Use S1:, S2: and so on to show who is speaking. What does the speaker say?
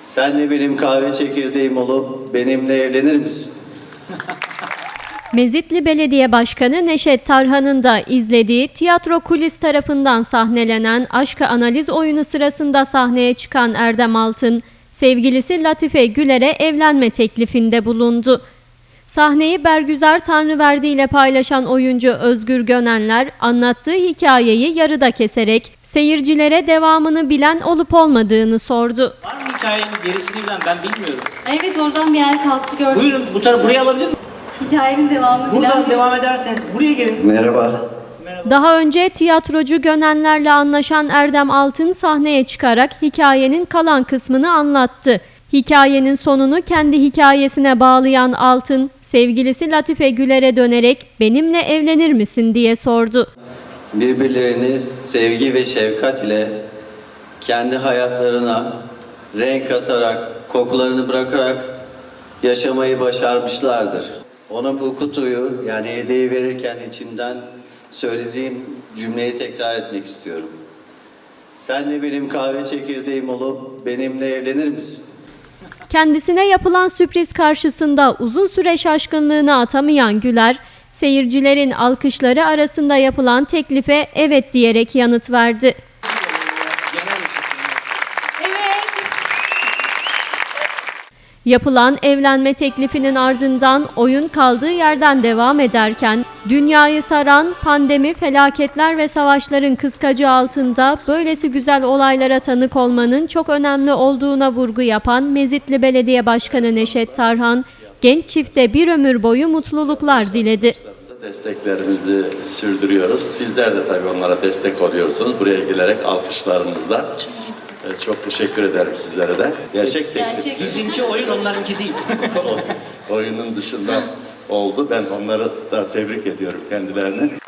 S1: Sen de benim kahve çekirdeğim olup benimle evlenir misin?
S2: Mezitli Belediye Başkanı Neşet Tarhan'ın da izlediği tiyatro kulis tarafından sahnelenen aşkı analiz oyunu sırasında sahneye çıkan Erdem Altın, sevgilisi Latife Güler'e evlenme teklifinde bulundu. Sahneyi Bergüzar Tanrıverdi ile paylaşan oyuncu Özgür Gönenler anlattığı hikayeyi yarıda keserek seyircilere devamını bilen olup olmadığını sordu.
S3: Var mı hikayenin gerisini bilen, ben bilmiyorum.
S4: Evet, oradan bir yer kalktı, gördüm.
S3: Buyurun bu tarafa, buraya alabilir miyim?
S4: Hikayenin devamı bilen.
S3: Buradan devam ederseniz buraya gelin.
S1: Merhaba.
S2: Daha önce tiyatrocu Gönenler'le anlaşan Erdem Altın sahneye çıkarak hikayenin kalan kısmını anlattı. Hikayenin sonunu kendi hikayesine bağlayan Altın, sevgilisi Latife Güler'e dönerek benimle evlenir misin diye sordu.
S1: Birbirlerini sevgi ve şefkat ile kendi hayatlarına renk katarak, kokularını bırakarak yaşamayı başarmışlardır. Ona bu kutuyu, yani hediye verirken içimden söylediğim cümleyi tekrar etmek istiyorum. Sen de benim kahve çekirdeğim olup benimle evlenir misin?
S2: Kendisine yapılan sürpriz karşısında uzun süre şaşkınlığını atamayan Güler, seyircilerin alkışları arasında yapılan teklife evet diyerek yanıt verdi.
S4: Evet.
S2: Yapılan evlenme teklifinin ardından oyun kaldığı yerden devam ederken, dünyayı saran pandemi, felaketler ve savaşların kıskacı altında böylesi güzel olaylara tanık olmanın çok önemli olduğuna vurgu yapan Mezitli Belediye Başkanı Neşet Tarhan, genç çifte bir ömür boyu mutluluklar diledi.
S5: Desteklerimizi sürdürüyoruz. Sizler de tabii onlara destek oluyorsunuz. Buraya gelerek alkışlarınızla. Çok teşekkür ederim sizlere de. Gerçek teklif.
S3: Bizimki oyun, onlarınki değil.
S5: Oyunun dışında oldu. Ben onları da tebrik ediyorum kendilerini.